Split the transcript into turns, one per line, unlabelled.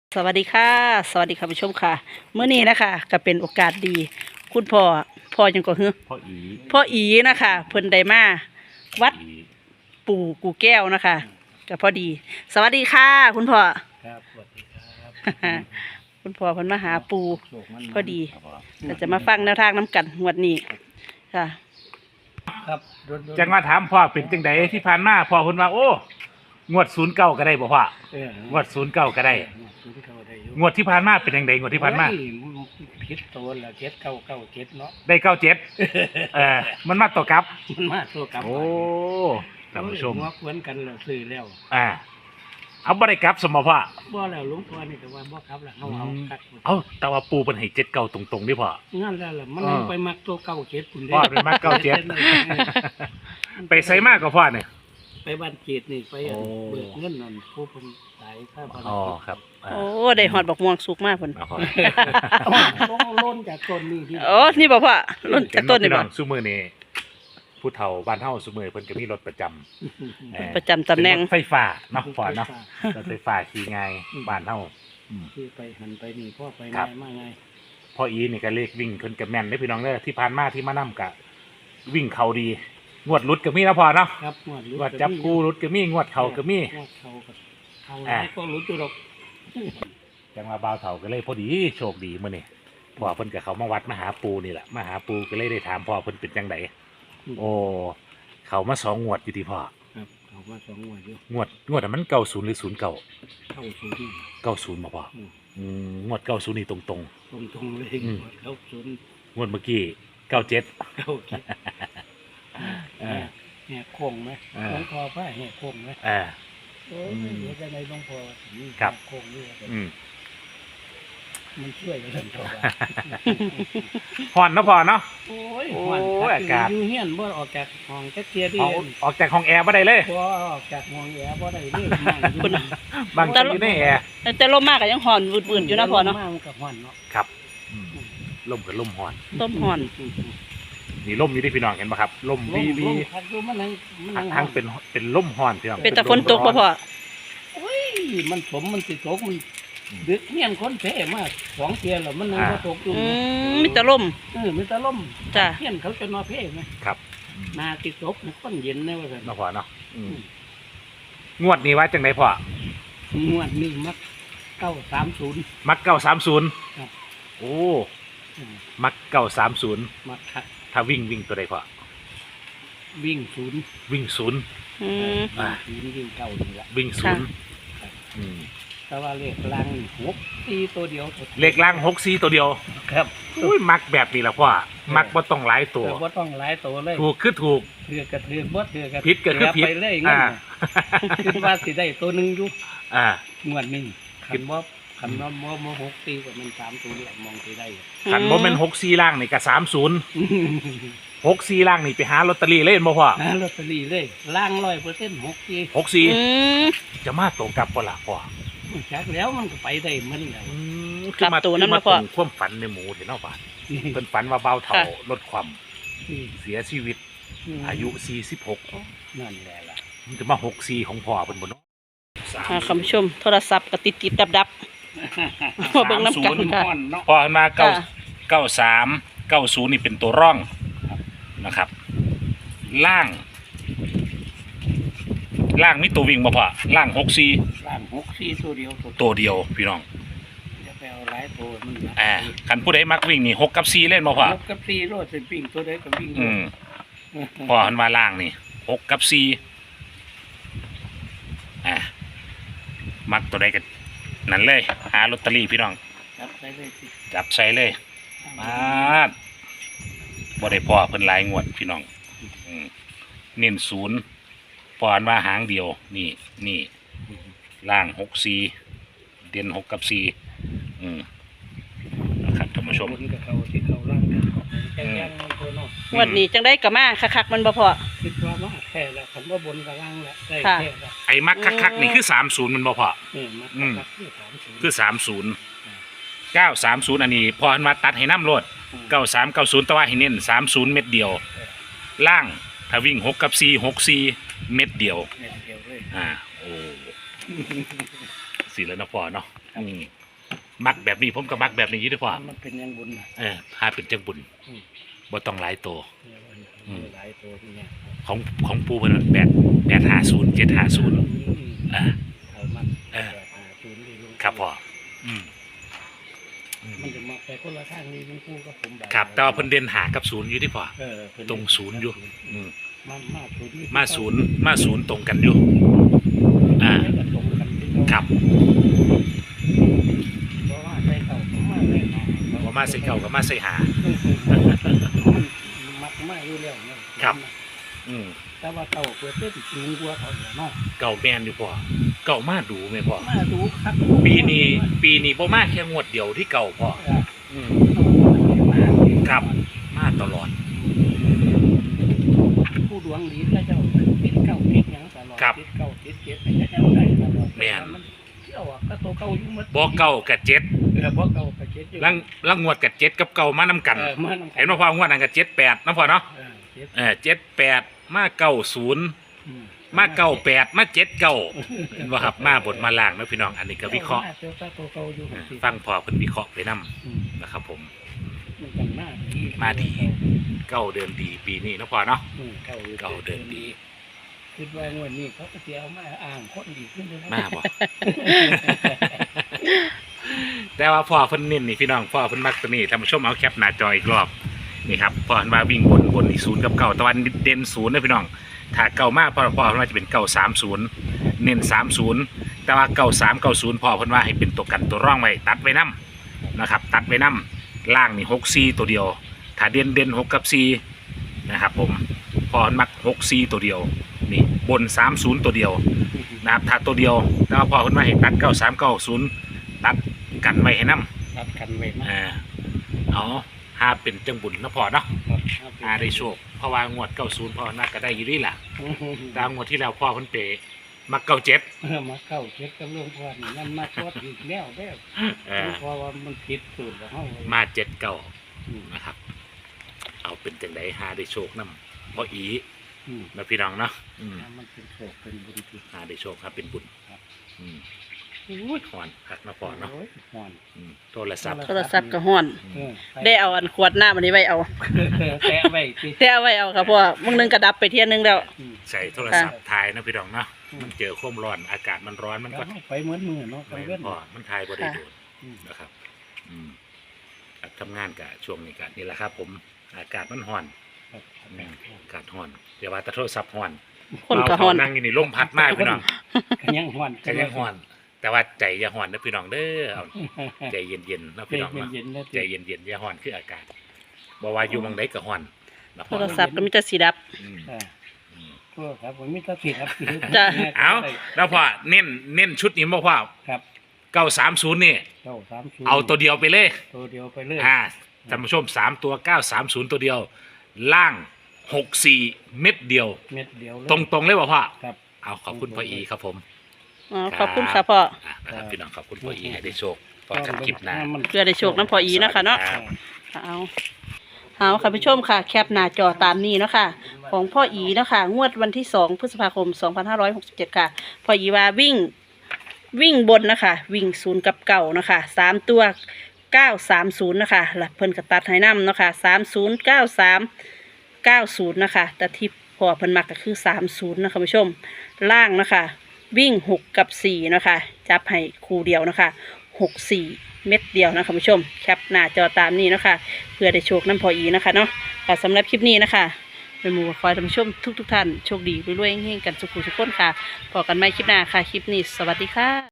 สวัสดีค่ะสวัสดีค่ะผู้ชมค่ะเมื่อนี้นะคะก็เป็นโอกาสดี คุณพ่อยังก็ฮือพ่ออีนะคะเพิ่นได้มาวัดปู่กูแก้วนะคะก็พอดี สวัสดีค่ะ คุณพ่อ
ครับสวัสดีครับ
คุณพ่อเพิ่นมาหาปู่
โชคมัน
พอดีก็จะมาฟังแนวทางน้ำกันงวดนี้ค่ะ
ครับ
จังว่าถามพ่อเป็นจังไดที่ผ่านมาพ่อเพิ่นว่าโอ้งวด09ก็ได้บ่พ่อง งวด09ก็ได้
ศูนย์เก้าได้อยู่
งวดที่ผ่านมาเป็นจังไดงวดที่ผ่านมา
โอ้ยผิดตัวละเจ็ดเก้าเก้าเจ็ดเนาะ
ได้97มันมาต่อกลับ
มันมาตัวกลับ
โอ้ท่านผู้ชม
หัวควนกันแล้วซื้อแล้ว
เอาบ่ได้กลับสมบ่พ่อ
บ่แล้วหลุงพ่อนี่แต่ว่าบ่ครับล่ะเอาคัด
เอาแต่ว่าปู่เพิ่นให้79ตรงๆนี่พ่อ
งั้นแล้วล่ะมันเอาไปมักตัวเก้าเจ็ดคุณเด้
พ่อเป็นมา97ไปไสมาก็พ่อเนี่ย
ไปบ้านเจ็ดนี่ไป
โอ้
เบิกเงินนั่นผู้เพิ่นสายค่าบ้าน
อ๋อครับ
โอ้ได้หอดบักม่วงสุกมากเพิ่น
เอาพ่อ
ต้องล้นจากต้นนี่ที่
โอ้นี่บ่พ่อรุ่นจากต้นนี่บ่
ซุมื้อนี้ผู้เฒ่าบ้านเฮาซุมื้อเพิ่นก็มีรถประจำ
ประจำตำแหน่ง
เป็นรถไฟฟ้าเนาะพ่อเนาะรถไฟฟ้าขี่ง่ายบ้านเฮา
คือไปหันไปนี่พ่อไป
ครั
ง่า
บ
ยมากง่าย
พ่ออีนี่ก็เลขวิ่งเพิ่นก็แม่นเด้อพี่น้องเด้อที่ผ่านมาที่มานํกะวิ่งเขาดีงวดหลุดก็มีนะพ่อเนาะ
ครับงวด
งวดจับคู่หลุดก็มีงวดเขาก็มี
งวดเขาก็เขาหลายก็รู้ตัวดอก
จังว่าบ่าวเฒ่าก็เลยพอดีโชคดีมื้อนี้พ่อเพิ่นก็เขามาวัดมาหาปู่นี่แหละมาหาปู่ก็เลยได้ถามพ่อเพิ่นเป็นจังไดโอ้เขามา2งวดอยู่ที่พ่อ
ครับเขาว่าสองงวดอยู่
งวดนั้นมัน90หรือ09
เข้าศูนย์
90บ่พ่อองวด90นี่ตรง
ตรงเลย
อืม
เข้าศูนย์
ๆงวดเมื่อกี้97
เข้าเจ็ด
อ่า
แหกโค้งไหม
อ่า
หลวงพ่อพระแหกโค้งไหม
อ่า
โอ้ยเดี๋ยวจะในหลวงพ่อนี่
ครับ
โค้งนี่ มันช่วยกันทั้งตัว
ฮ้อนเนาะพ่อเนาะ
โอ้ย
โอ้ย
หวาน
อากาศ
อยู่เฮียนบ่ออกจากห้องจักเทียดี
ออกจากห้องแอร์บ่ได้เลย
บ่ออกจากห้องแอร์บ่ได้เลยนั่งอยู่
คุณ
บางทีอยู่ในแอร์
แต่ลมมากก็ยังหอนวืดๆอยู่นะพ่อเนาะ
มมันก็ฮ้อนเนาะ
ครับลมกับลมฮ้อน
ต้มหอน
นี่ลมอยู่ที่พี่น้องเห็นป่ะครับลมวีวี
พัดดูมันนั่ง
ทั้งเป็นลมฮ้อนพี่น้อง
เป็นแต่ฝนตกบ่พ่อ
โอ้ยมันสมมันสิตกมันดึกเฮียนคนแท้มาสองเทียแล้วมันนั่งบ่ตกอยู่
มีแต่ลม
มีแต่ลม
จ้ะ
เฮียนเขาจะนอนเพ่ไหม
ครับ
นาติดตกมันคนเย็นแน่ว่าซั่น
เนาะพ่อเนาะงวดนี้ว่าจังไดพ่อง
วดนี้มัก930
มัก930
ครับ
โอ้มัก930
มักคัก
ถ้าวิ่งตัวใดพ่อ
วิ่งศูนย์
วิ่งศูนย์
อืม
อ่า
วิ่งเก่านี่ละ
วิ่งศูนย์
ค่ะ
อืม
แต่ว่าเลขล่าง6ตีตัวเดียว
เลขล่าง64ตัวเดียว
ครับ
อุ้ยมักแบบนี้ล่ะพ่อมักบ่ต้องหลายตัว
แต่ว่าต้องหลายตัวเลย
ถูกคือถูก
ถือกระถือบ่ถือกระ
ผิดก็คือผิด
ไปเลยงั้น
อ่า
คิดว่าสิได้ตัวหนึงอยู่
อ่า
งวดนี้คันว่าบ่6ตีก็มัน3ตัวแหละมองสิได้
ขันบ่แม่น64ล่างนี่ก็30 64ล่างนี่ไปหาลอตเตอรี่เล่นบ่พ่อ
หาลอตเตอรี่เลยล่าง 100% 6ตี
64จะมาตรงกับบ่ล่ะพ่อ
จักแล้วมันก็ไปได้มันแล้ว
กลับตัวนั้นมาพ่อ
ตรงความฝันในหมูเห็นเนาะบ่าเพิ่นฝันว่าเบาเฒ่า
ค่ะ
ลดความ
นี่
เสียชีวิตอายุ46
นั่นแหละล่ะ
มันจะมา64ของพ่อเพิ่นบ่เนาะ
คุณผู้ชมโทรศัพท์ก็ติดดับๆมาเบิ่งน้ำกันค่ะ
เนาะ
พ่อเพิ่นมา
ค่ะ
93 90นี่เป็นตัวร่องนะครับ ล่างมีตัววิ่งบ่พ่อล่าง64
ล่าง6-4ตัวเดียว
ตัวเดียวพี่น้อง
อย่าไปเอาหลายตัวมันนะ
คันผู้ใดมักวิ่งนี่6กับ4เล่นบ่พ่อ
6กับ4โลดเป็นวิ่งตัวใดก็วิ่ง
พ่อเพิ่นว่าล่างนี่6กับ4มักตัวใดก็นั่นเลยหาลอตเตอรี่พี่น้อง
จับไปเลยสิ
จับใส่เลยมาดบ่ได้พ่อเพิ่นหลายงวดพี่น้องเน้นศูนย์พออันว่าหางเดียวนี่ล่าง64เด่น6กับ4นะครับท่านผู้ชม
บนกับเขาที่เขาล่างกันแค่ยังตัวเนาะ
งวดนี้จังได้ก็มาคักๆมันบ่พ่อ
คิดว่ามาแค่ละคันว่าบนกับล่างละได้
ค่ะ
แค่ละ
ไอ้มักคักๆนี่คือ30มันบ่พอ
นี่มาคักที่30
คือ30 930อันนี้พออันว่าตัดให้น้ำโลด9390แต่ว่าให้เน้น30เม็ดเดียว ล่างถ้าวิ่ง6กับ4 64เม็ดเดียว
เดียวเลย
โอ้สิแล้วนะพ่อเนาะมักแบบนี้ผมก็มักแบบนี้อยู่เด้อพ่อ
มันเป็นอยังบุญนะ
หาเป็นจังบุญ
อืม
บ่ต้องหลายโต
หลายตัวที่เนี่ย
ของปูเพิ่น850 750อ่า
เอามัน
เออ
ศูนย์ดีลูก
ครับพ่ออืม
มันจะมาไปคนละทางนี้มันคู่กับผมแบบ
ครับแต่ว่าเพิ่นเด่นหากับศูนย์อยู่ที่พ่อ
เพิ่น
ตรงศูนย์อยู่ อืม
มาศูนย์
มาศูนย์ตรงกันอยู่ อ่า
ก็ตรงกันที่เขา
ครับ
เพราะว่าใส่เก่าผมมาเลยเนาะ
บ่มาใส่เก่าก็มาใส่หา
มันมักมาอยู่แล้วเนี่ย
ครับ อืม
แต่ว่าเก่าเปิดเต้นสูงกว่าเขาเนี่ยเนาะ
เก่าแม่นอยู่พ่อเก่ามาดูแม่พ่อ
มาดูครับ
ปีนี้บ่มาแค่งวดเดียวที่เก่าพ่ออืมครับมาตลอด
ผู้ดวงดีก็เจ้าติดเก่าติดหยังตลอด
ครับ
ติดเก่าติดเจ็ดก็เจ้าได้ตลอด
แม่น
มันเที่ยวอะก็ตัวเก่าอยู่หมด
บ่เก่ากับ7
บ่เก่าก็เจ็ดอยู่
ลังงวดกับ7กับเก่ามานํกัน
มานำกั
เห็นบ่พ่องวดนั้นกับ78นะพ่อเนาะ
เจ็ด
78มา90มา98มา79เห็นบ่ครับมาบนมาล่างนะพี่น้องอันนี้ก็วิเคราะห์
เจ้าตัวเก่าอยู่
ฟังพ่อเพิ่นวิเคราะห์ไปนํ
อืม
นะครับผม
มันกันมาดี
เก่าเดินดีปีนี้นะพ่อเนาะ
เก่าอยู่
เก่าเดินดี
คิดว่างวดนี้เขาก็สิเอามาอ้างคนดีขึ้นเลยนะ
มาบ่ แต่ว่าพ่อเพิ่นเน้นนี่พี่น้องพ่อเพิ่นมักตัวนี้ท่านผู้ชมเอาแคปหน้าจออีกรอบนี่ครับพ่อเพิ่นว่าวิ่งบนนี่0กับ9ตะวันเด่น0นะพี่น้องถ้าเก่ามากพ่อเพิ่นว่าจะเป็น930เน้น30แต่ว่า9390พ่อเพิ่นว่าให้เป็นตัวกันตัวร่องไว้ตัดไว้นํนะครับตัดไว้นํล่างนี่64ตัวเดียวถ้าเด่น6กับ4นะครับผมพ่อเพิ่นมัก64ตัวเดียวนี่บน30ตัวเดียวนะครับถ้าตัวเดียวแต่ว่าพ่อเพิ่นว่าให้ตัด9390ตัดกันไว้ให้นํ
ตัดกันไว้มา
เอาหาเป็นจังบุญนะพ่อเนาะ
ครับ
หาได้โชคเพราะว่างวด90พ่อน่าก็ได้อยู่ดีล่ะตามงวดที่แล้วพ่อเพิ่นเปมัก97
มาเข้าเช็ดกับหลวงพ่อนี่มันมาชดอีกแล้วแล้ว
เออ
เพราะว่ามันผิดสูตรของเฮา
มา79นะครับ เอาเป็นจังไดหาได้โชคนำบ่อี
อืม
นะพี่น้องเนาะ
มันเป็นโศกเป็นบุญที่
หาได้โชคครับเป็นบุญ
ครับ
อืมอุ้ยหอนคักนะพ่อเนาะ
โอ้ยห่อน
โทรศัพท์
โทรศัพท์ก็ฮ้อน
เออ
ได้เอาอันขวดน้ำอันนี้ไว้เอา
แตะไว้สิ
แต่เอาไว้เอาครับเพราะว่ามึงนึงกระดับไปเที่ยนึงแล้ว
อืม
ใส่โทรศัพท์ถ่ายนะพี่น้องเนาะมันเจอความร้อนอากาศมันร้อนมันก็
ก็ไปเหมือนมือเนาะไป
ไม่
เว้น
พอมันถ่ายบ่ได้โดน
อืม
นะครับ ครับทำงานกับช่วงนี้กันนี่แหละครับ ผมอากาศมันร้อน
ครับ
อากาศร้อนเดี๋ยวว่าแต่โทรศัพท์ร้อน
คนก็ฮ้อน
เานั่งอยู่นี่ลมพัดมากพี่น้อง
ก็ยังห่อน
ก็ยังร้อน แต่ว่าใจอย่าร้อนนะพี่น้องเด้อเอาใจเย็นๆนะพี่น้องเนาะ
เย็นๆนะ
ใจเย็นๆอย่าร้อนคืออากาศบ่ว่าอยู่หมองใดก็ร้อนนะ
โท
พ่อ
รศัพท์ก็มีแต่สีดับ
อืม
อ่า
อืม
ก็ครับผมมีแตะผิดครับ
จ้ะ
เอาแล้วพ่อเน้นชุดนี้บ่พ่อ
ครับ
930นี่
เก้าสามศูนย์
เอาตัวเดียวไปเลย
ตัวเดียวไปเลย
ท่านผู้ชม3ตัว930ตัวเดียว ล่าง64เม็ดเดียว
เม็ดเดียวเลย
ตรงๆเลยบ่พ่อ
ครับ
เอาขอบคุณพ่ออีครับผม
อ๋อขอบคุณค่ะพ่อ
นะครับพี่น้องขอบคุณพ่ออีให้ได้โชคพอกันคลิปหน้า
เพื่อได้โชคน้ำพออีนะคะเนาะ
ครับ
เอาค่ะผู้ชมค่ะ แคปหน้าจอตามนี้เนาะค่ะ ของพ่ออีเนาะค่ะ งวดวันที่2 พฤษภาคม 2567 ค่ะ พ่ออีว่าวิ่งบนนะคะ วิ่ง0กับเก่านะคะ3ตัว 930นะคะหลักเพิ่นกระตัดให้น้ำเนาะค่ะ309390นะคะแต่ที่พอเพิ่นมักก็คือ30นะคะผู้ชมล่างนะคะ วิ่ง6กับ4นะคะจับให้คู่เดียวนะคะ64เม็ดเดียวนะคะผู้ชมแคปหน้าจอตามนี้นะคะเพื่อได้โชคน้ำพออีนะคะเนาะค่ะสำหรับคลิปนี้นะคะเป็นหมู่คอยท่านผู้ชมทุกท่านโชคดีรวยๆเฮงๆกันสุขุทุกคนค่ะพบกันใหม่คลิปหน้าค่ะคลิปนี้สวัสดีค่ะ